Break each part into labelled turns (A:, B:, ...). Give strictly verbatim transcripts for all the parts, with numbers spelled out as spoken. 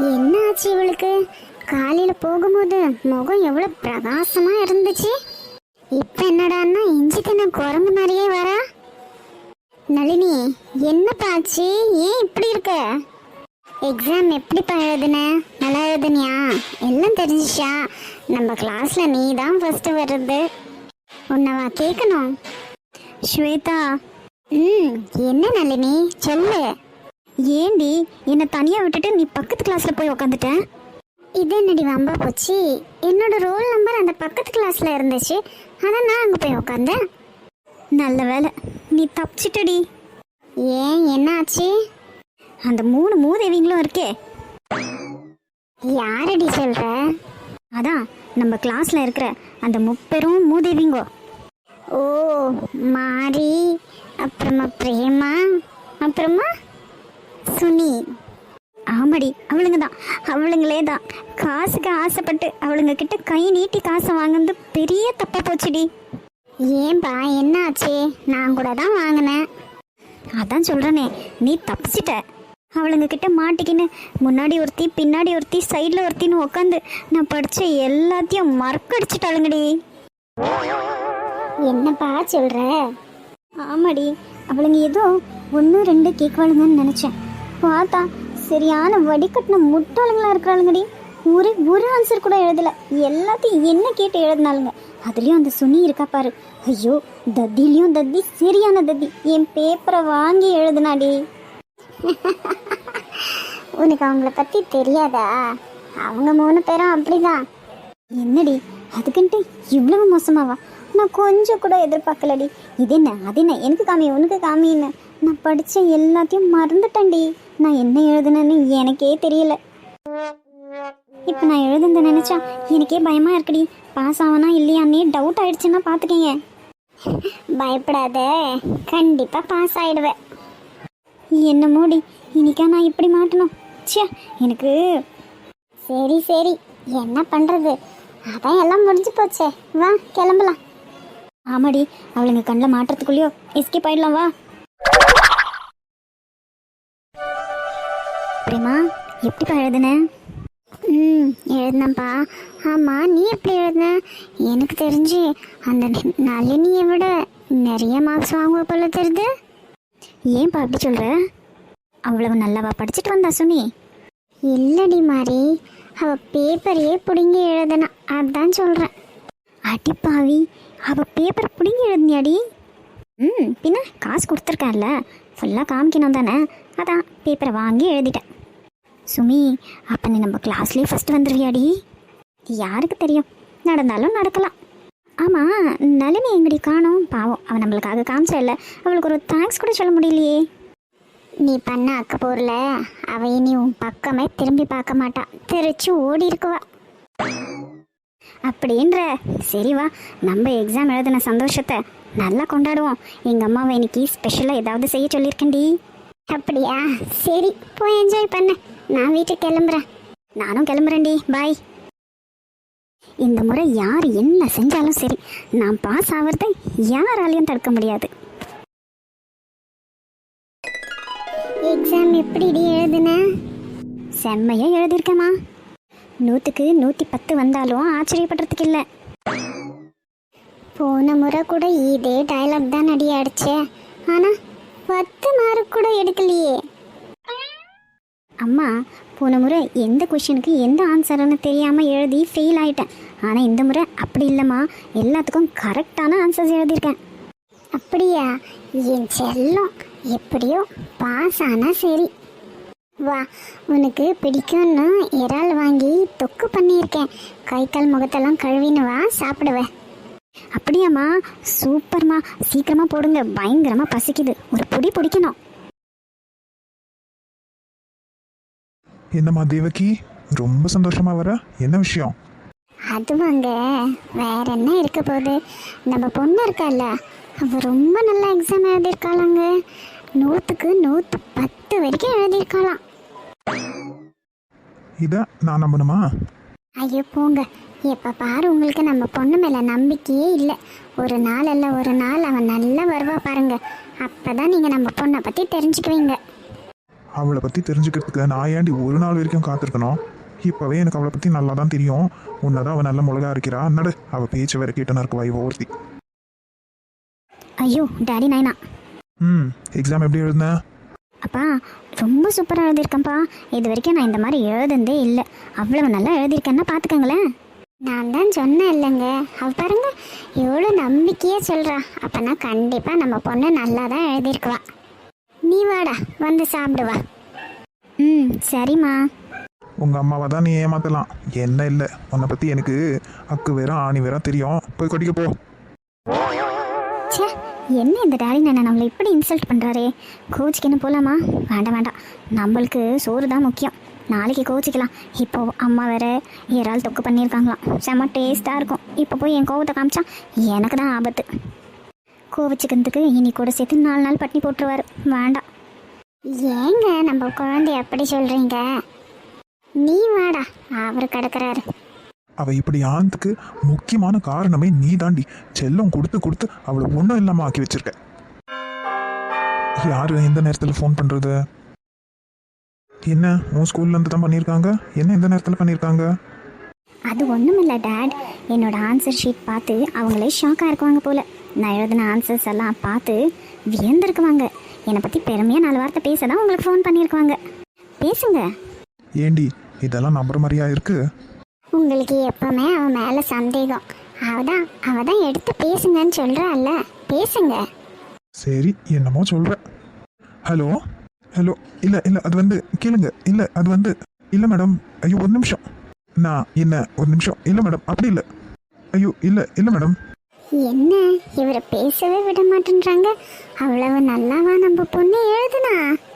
A: என்ன ஆச்சு இவளுக்கு? காலையில போகும்போது முகம் எவ்வளவு பிரகாசமா இருந்துச்சு. இப்ப என்னடான்னா இஞ்சி தின்ன குரங்கு மாதிரியே வரா. நளினி, என்னப்பா ஆச்சு? ஏன் இப்படி இருக்க? எக்ஸாம் எப்படிப்பா எழுதுன? நல்லா எழுதுனியா? எல்லாம் தெரிஞ்சிச்சா? நம்ம கிளாஸ்ல நீ தான் ஃபர்ஸ்ட் வர்றது. உன்னவா கேட்கணும். ஸ்வேதா. ம் என்ன நளினி சொல்லு.
B: ஏண்டி என்னை தனியாக விட்டுட்டு நீ பக்கத்து கிளாஸில் போய் உக்காந்துட்ட?
A: இது என்னடி வம்பா போச்சு? என்னோட ரோல் நம்பர் அந்த பக்கத்து கிளாஸ்ல இருந்துச்சு, அதான் நான் அங்கே போய் உக்காந்தேன்.
B: நல்ல வேலை, நீ தப்பிச்சிட்டடி.
A: ஏன் என்ன ஆச்சு?
B: அந்த மூணு மூதேவிங்களும் இருக்கே.
A: யாரடி சொல்ற?
B: அதான் நம்ம கிளாஸில் இருக்கிற அந்த முப்பெரும் மூதேவிங்கோ.
A: ஓ, மாரி, அப்புறமா பிரேமா, அப்புறமா சுனி.
B: ஆமாடி, அவளுங்க தான், அவளுங்களே தான். காசுக்கு ஆசைப்பட்டு அவளுங்க கிட்ட கை நீட்டி காசை வாங்குறது பெரிய தப்பா போச்சுடி.
A: ஏன்பா என்ன ஆச்சு? நான் கூட தான் வாங்கினேன்.
B: அதான் சொல்கிறேனே, நீ தப்பிச்சிட்ட. அவளுங்க கிட்ட மாட்டிக்கின்னு முன்னாடி ஒருத்தி பின்னாடி ஒருத்தி சைடில் ஒருத்தின்னு உட்காந்து நான் படித்த எல்லாத்தையும் மறக்கடிச்சிட்டாளுங்கடி.
A: என்னப்பா சொல்ற?
B: ஆமாடி, அவளுங்க ஏதோ ஒன்று ரெண்டு கேட்கவாளுங்கன்னு நினச்சேன். பார்த்தா சரியான வடிகட்டின முட்டாளுங்களா இருக்கிறாளுங்கடி. ஒரு ஒரு ஆன்சர் கூட எழுதலை, எல்லாத்தையும் என்ன கேட்டு எழுதினாளுங்க. அதுலேயும் அந்த சுனி இருக்கா பாரு, ஐயோ தத்திலையும் தத்தி, சரியான தத்தி. என் பேப்பரை வாங்கி எழுதுனாடி.
A: உனக்கு அவங்கள பற்றி தெரியாதா? அவங்க மூணு பேரும் அப்படிதான்.
B: என்னடி அதுக்குன்ட்டு இவ்வளவு மோசமாவா? நான் கொஞ்சம் கூட எதிர்பார்க்கலடி. இது என்ன அது என்ன, எனக்கு காமி உனக்கு காமின்னு நான் படித்த எல்லாத்தையும் மறந்துட்டேன்டி. நான் என்ன எழுதுனேன்னு எனக்கே தெரியல. இப்போ நான் எழுதுனதை நினச்சா எனக்கே பயமாக இருக்குடி. பாஸ் ஆவனா இல்லையான்னே டவுட் ஆயிடுச்சுன்னா பார்த்துக்கீங்க.
A: பயப்படாத, கண்டிப்பாக பாஸ் ஆயிடுவேன்.
B: என்ன மூடி, இன்னைக்கா நான் இப்படி மாட்டணும்? ச்சே எனக்கு.
A: சரி சரி, என்ன பண்ணுறது, அதான் எல்லாம் முடிஞ்சு போச்சே. வா கிளம்பலாம்.
B: ஆமாடி, அவளுங்க கண்ணில் மாட்டுறதுக்குள்ளேயோ எஸ்கேப் ஆயிடலாம். வா பிரேமா, எப்படிப்பா எழுதுன?
A: ம் எழுதுனப்பா. ஆமாம், நீ எப்படி எழுதுன? எனக்கு தெரிஞ்சு அந்த நளினியை விட நிறைய மார்க்ஸ் வாங்குவ போல தெரியுது.
B: ஏன்பா அப்படி சொல்கிற? அவ்வளவு நல்லாவா படிச்சுட்டு வந்தா சுனி?
A: இல்லடி மாறி, அவள் பேப்பரையே பிடுங்கி எழுதுனா, அதான் சொல்கிறேன்.
B: அடிப்பாவி, அவள் பேப்பர் பிடிங்கி எழுதினியாடி? ம் பின்ன காசு கொடுத்துருக்கான்ல, ஃபுல்லாக காமிக்கணும் தானே, அதான் பேப்பரை வாங்கி எழுதிட்டேன். சுமி, அப்போ நீ நம்ம கிளாஸ்லேயே ஃபஸ்ட்டு வந்துடுவியாடி? யாருக்கு தெரியும், நடந்தாலும் நடக்கலாம். ஆமாம், நளினி எங்கடி காணோம்? பாவம், அவன் நம்மளுக்காக காமிச்சா இல்லை, அவளுக்கு ஒரு தேங்க்ஸ் கூட சொல்ல முடியலையே.
A: நீ பண்ண அக்க போரில் அவ இனி உன் பக்கமே திரும்பி பார்க்க மாட்டான், தெரிச்சு ஓடி இருக்குவா.
B: அப்படின்ற? சரி வா, நம்ம எக்ஸாம் எழுதின சந்தோஷத்தை நல்லா கொண்டாடுவோம். எங்கள் அம்மாவை இன்னைக்கு ஸ்பெஷலாக ஏதாவது செய்ய சொல்லியிருக்கேன்டி.
A: அப்படியா? சரி, போய் என்ஜாய் பண்ண. நான் வீட்டுக்கு கிளம்புறேன்.
B: நானும் கிளம்புறேன்டி, பாய். இந்த முறை யார் என்ன செஞ்சாலும் சரி, நான் பாஸ் ஆகிறத யாராலையும் தடுக்க முடியாது.
A: எக்ஸாம் எப்படி எழுதுன?
B: செம்மையா எழுதியிருக்கேம்மா. நூற்றுக்கு நூற்றி பத்து வந்தாலும் ஆச்சரியப்படுறதுக்கு இல்லை.
A: போன முறை கூட இதே டைலாக் தான் அடி அடிச்சே, ஆனால் பத்து மார்க் கூட எடுக்கலையே.
B: அம்மா, போன முறை எந்த கொஷனுக்கு எந்த ஆன்சர்னு தெரியாமல் எழுதி ஃபெயில் ஆகிட்டேன். ஆனால் இந்த முறை அப்படி இல்லைம்மா, எல்லாத்துக்கும் கரெக்டான ஆன்சர்ஸ் எழுதியிருக்கேன்.
A: அப்படியா? என் செல்லம், எப்படியோ பாஸ் ஆனால் சரி. வா, உனக்கு பிடிக்கும்னு இறால் வாங்கி தொக்கு பண்ணியிருக்கேன். கை கால் முகத்தெல்லாம் கழுவின்னு வா, சாப்பிடுவேன்.
B: அப்படியாம்மா? சூப்பர்மா, சீக்கிரமாக போடுங்க, பயங்கரமாக பசிக்குது, ஒரு பொடி பிடிக்கணும்.
C: என்னம்மா தேவகி, ரொம்ப சந்தோஷமா வர? என்ன விஷயம்?
A: அதுவாங்க, வேற என்ன இருக்க போகுது, நம்ம பொண்ணு இருக்கால, அவ ரொம்ப நல்லா எக்ஸாம் எழுதியிருக்காளாங்க. நூற்றுக்கு நூற்று பத்து வரைக்கும் எழுதியிருக்காளாம்.
C: இதை நான் நம்பணுமா?
A: ஐயோ போங்க, எப்போ பாரு உங்களுக்கு நம்ம பொண்ணு மேலே நம்பிக்கையே இல்லை. ஒரு நாள் இல்லை ஒரு நாள் அவன் நல்லா வருவா பாருங்க, அப்போ தான் நீங்கள் நம்ம பொண்ணை பற்றி தெரிஞ்சுக்குவீங்க.
C: அவளை பற்றி தெரிஞ்சுக்கிறதுக்கு நான் ஏன்டி ஒரு நாள் வரைக்கும் காத்திருக்கணும்? இப்போவே எனக்கு அவளை பற்றி நல்லா தான் தெரியும். உன்னதான் அவள் நல்ல மிளகா இருக்கிறா. நடு அவள் பேச்சு வேற கேட்டுனா இருக்கு வாய் ஒருத்தி.
B: ஐயோ டாடி நாயனா.
C: ம் எக்ஸாம் எப்படி எழுதுனேன்?
B: அப்பா ரொம்ப சூப்பராக எழுதியிருக்கேன்ப்பா. இது வரைக்கும் நான் இந்த மாதிரி எழுதுனதே இல்லை. அவ்வளவு நல்லா எழுதியிருக்கேன்னா பார்த்துக்கங்களேன்.
A: நான் தான் சொன்னேன் இல்லைங்க, அவ பாருங்க எவ்வளோ நம்பிக்கையே சொல்கிறா. அப்போனா கண்டிப்பாக நம்ம பொண்ணு நல்லா தான் எழுதியிருக்குவா. நீ வாடா வந்து சாப்பிடுவா.
B: ம் சரிம்மா.
C: உங்கள் அம்மாவை தான் நீ ஏமாத்தலாம், என்ன இல்லை. உன்னை பற்றி எனக்கு அக்கு வேற ஆணி வேற தெரியும். போய் கொட்டிக்க போ.
B: ச்சே என்ன இந்த டாடி நானா நம்மளை இப்படி இன்சல்ட் பண்ணுறாரே. கோச்சிக்கன்னு போகலாமா? வேண்டாம் வேண்டாம், நம்மளுக்கு சோறு தான் முக்கியம். நாளைக்கு கோச்சிக்கலாம். இப்போ அம்மா வேற இறால் தொக்கு பண்ணியிருக்காங்களாம், செம்ம டேஸ்ட்டாக இருக்கும். இப்போ போய் என் கோவத்தை காமிச்சா எனக்கு தான் ஆபத்து. கோவிச்சுக்கிறதுக்கு இனி கூட சேர்த்து நாலு நாள் பட்டினி போட்டுருவார். வேண்டாம்.
A: ஏங்க நம்ம குழந்தை அப்படி சொல்கிறீங்க? நீ வாடா, அவர் கிடக்குறாரு.
C: அவள் இப்படி ஆனதுக்கு முக்கியமான காரணமே நீ தாண்டி. செல்லம் கொடுத்து கொடுத்து அவளை ஒன்றும் இல்லாமல் ஆக்கி வச்சிருக்க. யாரு எந்த நேரத்தில் ஃபோன் பண்ணுறது? என்ன உன் ஸ்கூல்லேருந்து தான் பண்ணியிருக்காங்க? என்ன எந்த நேரத்தில் பண்ணியிருக்காங்க?
B: அது ஒன்றும் இல்லை டேட், என்னோட ஆன்சர் ஷீட் பார்த்து அவங்களே ஷாக்காக இருக்குவாங்க போல். நான் எழுதின ஆன்சர்ஸ் எல்லாம் பார்த்து வியந்திருக்குவாங்க. என்னை பற்றி பெருமையாக நாலு வார்த்தை பேச தான் உங்களுக்கு ஃபோன் பண்ணியிருக்குவாங்க. பேசுங்க.
C: ஏண்டி இதெல்லாம் நம்புற மாதிரியா இருக்கு?
A: உங்களுக்கு எப்பவுமே அவன் மேலே சந்தேகம். அவதான் அவ தான் எடுத்து பேசுங்கன்னு சொல்கிறாள்ல, பேசுங்க.
C: சரி என்னமோ சொல்கிற. ஹலோ ஹலோ இல்லை இல்லை அது வந்து கேளுங்க. இல்லை அது வந்து இல்லை மேடம். ஐயோ ஒரு நிமிஷம். நான் என்ன ஒரு நிமிஷம். இல்லை மேடம் அப்படி இல்லை. ஐயோ இல்லை இல்லை மேடம்.
A: என்ன இவரை பேசவே விட மாட்டேன்றாங்க. அவ்வளவு நல்லாவா நம்ம பொண்ணு எழுதுனா?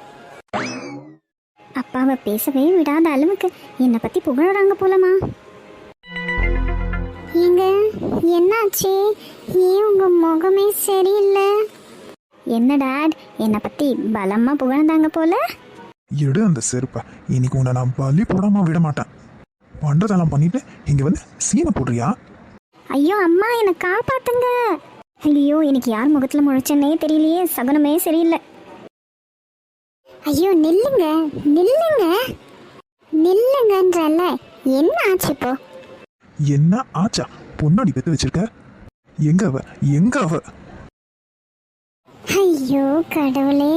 B: அப்பாவை பேசவே விடாத அளவுக்கு என்னை பற்றி புகழறாங்க போலமா.
A: ஏங்க என்னாச்சு? ஏன் உங்க முகமே சரியில்லை?
B: என்ன டேட், என்னை பற்றி பலமாக புகழ்ந்தாங்க போல.
C: எடு அந்த செருப்பை. இன்னைக்கு உன்னை நான் பலி போடாம விட மாட்டேன். பண்றதெல்லாம் பண்ணிட்டு இங்க வந்து சீனை போடுறியா?
B: ஐயோ அம்மா என்னை காப்பாத்துங்க. ஐயோ எனக்கு யார் முகத்தில் முழிச்சேன்னே தெரியலையே. சகுனமே சரியில்லை.
A: ஐயோ நில்லுங்க நில்லுங்க நில்லுங்கன்றல்ல. என்ன ஆச்சு இப்போ?
C: என்ன ஆச்சா? பொண்ணாடி பெத்து வச்சிருக்க. எங்க அவ எங்க அவ?
A: ஐயோ கடவுளே.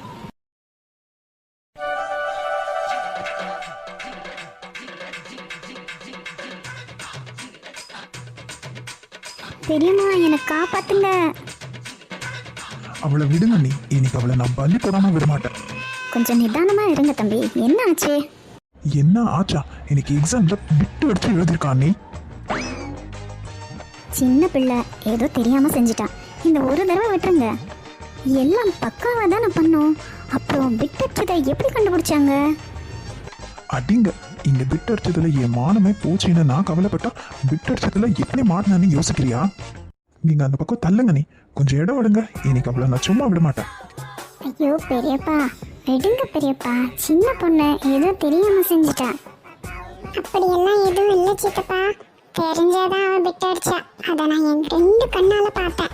B: பெரியம்மா என்னை காப்பாத்துங்க.
C: அவளை விடுங்க நீ. இன்னைக்கு அவளை நான் பலி போடாம விட மாட்டேன்.
B: கொஞ்சம் நிதானமா இருங்க தம்பி. என்ன ஆச்சு?
C: என்ன ஆச்சா? இன்னைக்கு எக்ஸாம்ல விட்டு எடுத்து எழுதிருக்கான். நீ
B: சின்ன பிள்ளை ஏதோ தெரியாம செஞ்சிட்டான். இந்த ஒரு தடவை விட்டுருங்க. எல்லாம் பக்காவா தானே பண்ணோம். அப்புறம் விட்டச்சதை எப்படி கண்டுபிடிச்சாங்க?
C: அடிங்க. இங்க பிட் அடிச்சதுல என் மானமே போச்சுன்னு நான் கவலைப்பட்டா பிட் அடிச்சதுல எப்படி மாட்டினான்னு யோசிக்கிறியா? நீங்க அந்த பக்கம் தள்ளுங்க. நீ கொஞ்சம் இடம் விடுங்க. இன்னைக்கு அவளை நான் சும்மா விட மாட்டேன்.
A: ஐயோ பெரியப்பா விடுங்க பெரியப்பா. சின்ன பொண்ணு ஏதோ தெரியாம செஞ்சுட்டா. அப்படியெல்லாம் எதுவும் இல்லை சித்தப்பா. தெரிஞ்சாதான் அவன் பிட் அடிச்சா. அதை நான் என் ரெண்டு கண்ணால பார்த்தேன்.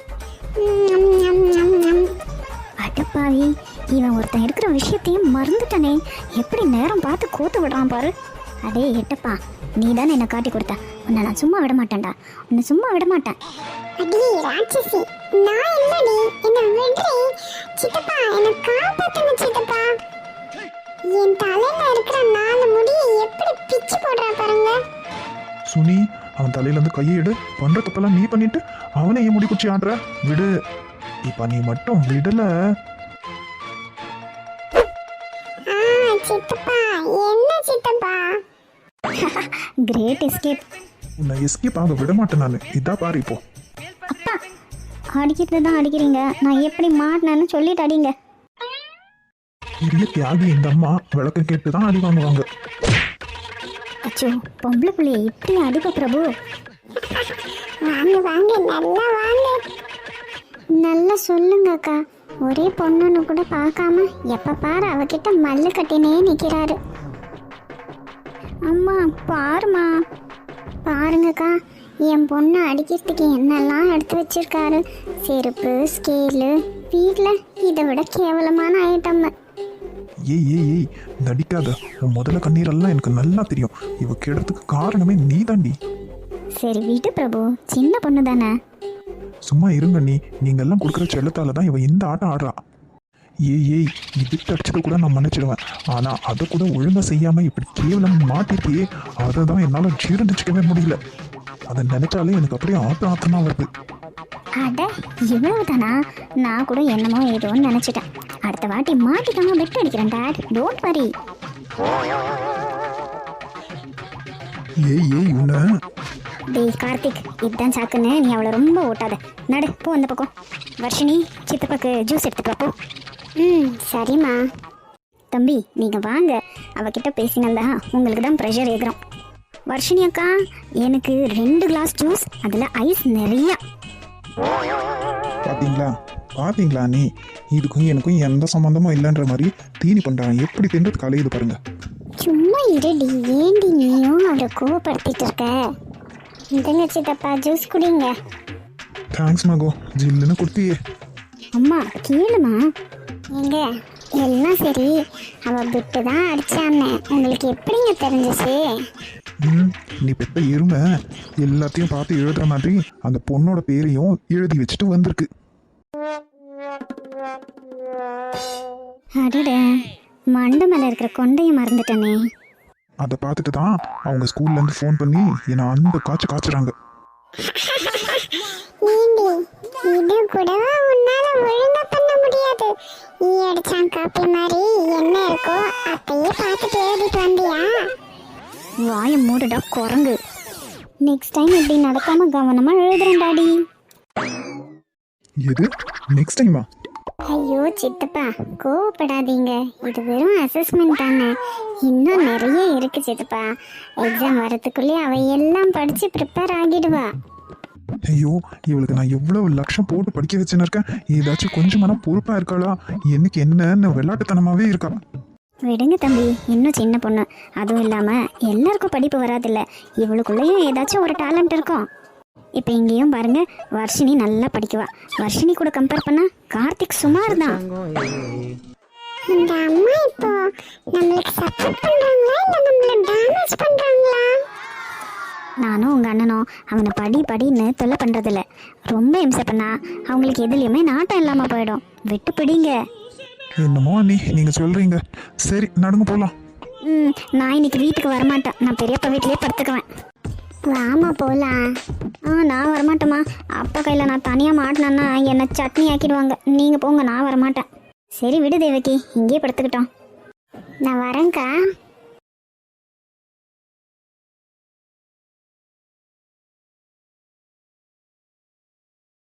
B: அடப்பாவி, இவன் ஒருத்தன் இருக்கிற விஷயத்தையும் மறந்துட்டானே. எப்படி நேரம் பார்த்து கோத்து விடுறான் பாரு. அடே எட்டப்பா, நீ தானே என்னை காட்டி கொடுத்த. உன்னை நான் சும்மா விட மாட்டேன்டா. உன்னை சும்மா விட மாட்டேன்.
A: அடி ராட்சசி, நான் இல்லடி, என்ன விடுறி. சித்தப்பா என்ன காப்பாத்துங்க சித்தப்பா. என் தலையில இருக்கிற நாலு முடியை எப்படி பிச்சு போடுறா பாருங்க.
C: சுனி, அவன் தலையில இருந்து கையை எடு. பண்ற தப்பெல்லாம் நீ பண்ணிட்டு அவனை ஏன் முடி குச்சி ஆடுற? விடு. இப்ப நீ மட்டும் விடல.
A: ஆ சித்தப்பா, என்ன சித்தப்பா?
B: Great escape.
C: உன்னை எஸ்கேப் ஆக விட மாட்டேன் நான். இதா பாரு இப்போ.
B: அப்பா, அடிக்கிறது தான் அடிக்கிறீங்க. நான் எப்படி மாட்டினேன்னு சொல்லிட்டு அடிங்க.
C: பெரிய தியாகி இந்த அம்மா. விளக்கம் கேட்டு தான் அடி வாங்குவாங்க.
B: அச்சோ, பொம்பளை பிள்ளைய இப்படி அடிப்ப பிரபு.
A: வாங்க வாங்க, நல்லா வாங்க. நல்லா சொல்லுங்க அக்கா. ஒரே பொண்ணுன்னு கூட பார்க்காம எப்ப பாரு அவகிட்ட மல்லு கட்டினே நிக்கிறாரு.
B: அம்மா பாருமா.
A: பாருங்கக்கா, என் பொண்ணு அடிக்கிறதுக்கு என்னெல்லாம் எடுத்து வச்சிருக்காரு. செருப்பு, ஸ்கேலு, வீட்டில் இதை விட கேவலமான ஐட்டம்.
C: ஏய் ஏய் ஏய் நடிக்காத. உன் முதல்ல கண்ணீரெல்லாம் எனக்கு நல்லா தெரியும். இவ கெடுறதுக்கு காரணமே நீ தாண்டி.
B: சரி விடு பிரபு, சின்ன பொண்ணு தானே.
C: சும்மா இருங்க நீ. நீங்க எல்லாம் கொடுக்குற செல்லத்தால தான் இவ இந்த ஆட்டம் ஆடுறா. ஏய் ஏய் இதுக்கு அடிச்சதை கூட நான் மன்னிச்சிடுவேன். ஆனா அதை கூட ஒழுங்கா செய்யாம இப்படி கேவலம் மாட்டிருக்கியே, அதை தான் என்னால ஜீரணிச்சுக்கவே முடியல. அதை நினைச்சாலே எனக்கு அப்படியே ஆத்த ஆத்தமா வருது.
B: அட இவ்வளவு தானா? நான் கூட என்னமோ ஏதோன்னு நினைச்சிட்டேன். அடுத்த வாட்டி மாட்டிக்காம பெட் அடிக்கிறேன் டாட், டோன்ட் வரி.
C: ஏய் ஏய் உன்ன.
B: டேய் கார்த்திக், இதுதான் சாக்குன்னு நீ அவளை ரொம்ப ஓட்டாத. நடு போ அந்த பக்கம். வர்ஷினி, சித்தப்பாக்கு ஜூஸ் எடுத்துட்டு வா போ.
A: ம் சரிம்மா.
B: தம்பி நீங்கள் வாங்க, அவகிட்ட பேசினதா உங்களுக்கு தான் ப்ரெஷர் ஏறும். வர்ஷினி அக்கா, எனக்கு ரெண்டு கிளாஸ் ஜூஸ், அதில் ஐஸ் நிறையா.
C: பாத்தீங்களா பாத்தீங்களா நீ, இதுக்கும் எனக்கும் எந்த சம்மந்தமும் இல்லைன்ற மாதிரி தீனி பண்றான். எப்படி தின்றது கலையுது பாருங்க.
A: சும்மா இருடி, ஏண்டி நீயும் அவரை கோவப்படுத்திட்டு இருக்க? இந்தங்க சித்தப்பா ஜூஸ் குடிங்க.
C: தேங்க்ஸ் மகோ, ஜில்லுன்னு கொடுத்தியே.
B: அம்மா கேளுமா.
A: எங்க எல்லாம் சரி, அவ விட்டு தான் அடிச்சான்னு உங்களுக்கு எப்படிங்க தெரிஞ்சிச்சு?
C: ம் நீ பெத்த எருமை எல்லாத்தையும் பார்த்து எழுதுற மாதிரி அந்த பொண்ணோட பேரையும் எழுதி வச்சுட்டு வந்திருக்கு.
B: அடட, மண்டை மேலே இருக்கிற கொண்டையை மறந்துட்டனே.
C: அதை பார்த்துட்டு தான் அவங்க ஸ்கூல்ல இருந்து ஃபோன் பண்ணி என்னை அந்த காய்ச்சி காய்ச்சுறாங்க.
A: ஏண்டி இது கூடவா உன்னால ஒழுங்கா பண்ண முடியாது? நீ அடிச்சான் காப்பி மாதிரி என்ன இருக்கோ அப்பயே பார்த்துட்டு எழுதிட்டு வந்தியா?
B: வாயை மூடுடா குரங்கு. நெக்ஸ்ட் டைம் இப்படி நடக்காம கவனமா எழுதுறேன் டாடி.
C: எது நெக்ஸ்ட் டைமா?
A: ஐயோ சித்தப்பா கோவப்படாதீங்க, இது வெறும் அசஸ்மெண்ட் தானே. இன்னும் நிறைய இருக்கு சித்தப்பா. எக்ஸாம் வரதுக்குள்ளே அவ எல்லாம் படிச்சு ப்ரிப்பேர் ஆகிடுவா.
C: ஐயோ இவளுக்கு நான் எவ்வளவு லட்சம் போட்டு படிக்க வச்சுன்னு இருக்கேன். ஏதாச்சும் கொஞ்சமான பொறுப்பா இருக்காளா? எனக்கு என்னன்னு விளையாட்டுத்தனமாவே இருக்கா.
B: விடுங்க தம்பி, இன்னும் சின்ன பொண்ணு. அதுவும் இல்லாமல் எல்லாருக்கும் படிப்பு வராதில்ல, இவளுக்குள்ளேயும் ஏதாச்சும் ஒரு டேலண்ட் இருக்கும். இப்போ இங்கேயும் பாருங்க, வர்ஷினி நல்லா படிக்குவா. வர்ஷினி கூட கம்பேர் பண்ணா கார்த்திக் சுமார் தான்.
A: இந்த அம்மா இப்போ நம்மளுக்கு சப்போர்ட் பண்றாங்களா இல்ல நம்மள டேமேஜ் பண்றாங்களா?
B: நானும் உங்கள் அண்ணனும் அவனை படி படின்னு தொல்லை பண்ணுறதில்ல. ரொம்ப இம்சை பண்ணா அவங்களுக்கு எதுலேயுமே நாட்டம் இல்லாமல் போயிடும். விட்டு பிடிங்க.
C: என்னமோ அண்ணி நீங்க சொல்றீங்க. சரி நடுங்க போலாம்.
B: ம் நான் இன்னைக்கு வீட்டுக்கு வரமாட்டேன். நான் பெரியப்பா வீட்டிலேயே படுத்துக்குவேன்.
A: வாமா போலாம்.
B: ஆ நான் வரமாட்டேம்மா. அப்பா கையில் நான் தனியாக மாட்டினேன்னா என்னை சட்னி ஆக்கிடுவாங்க. நீங்கள் போங்க, நான் வரமாட்டேன். சரி விடு தேவகி, இங்கேயே படுத்துக்கிட்டோம்.
A: நான் வரேன்க்கா.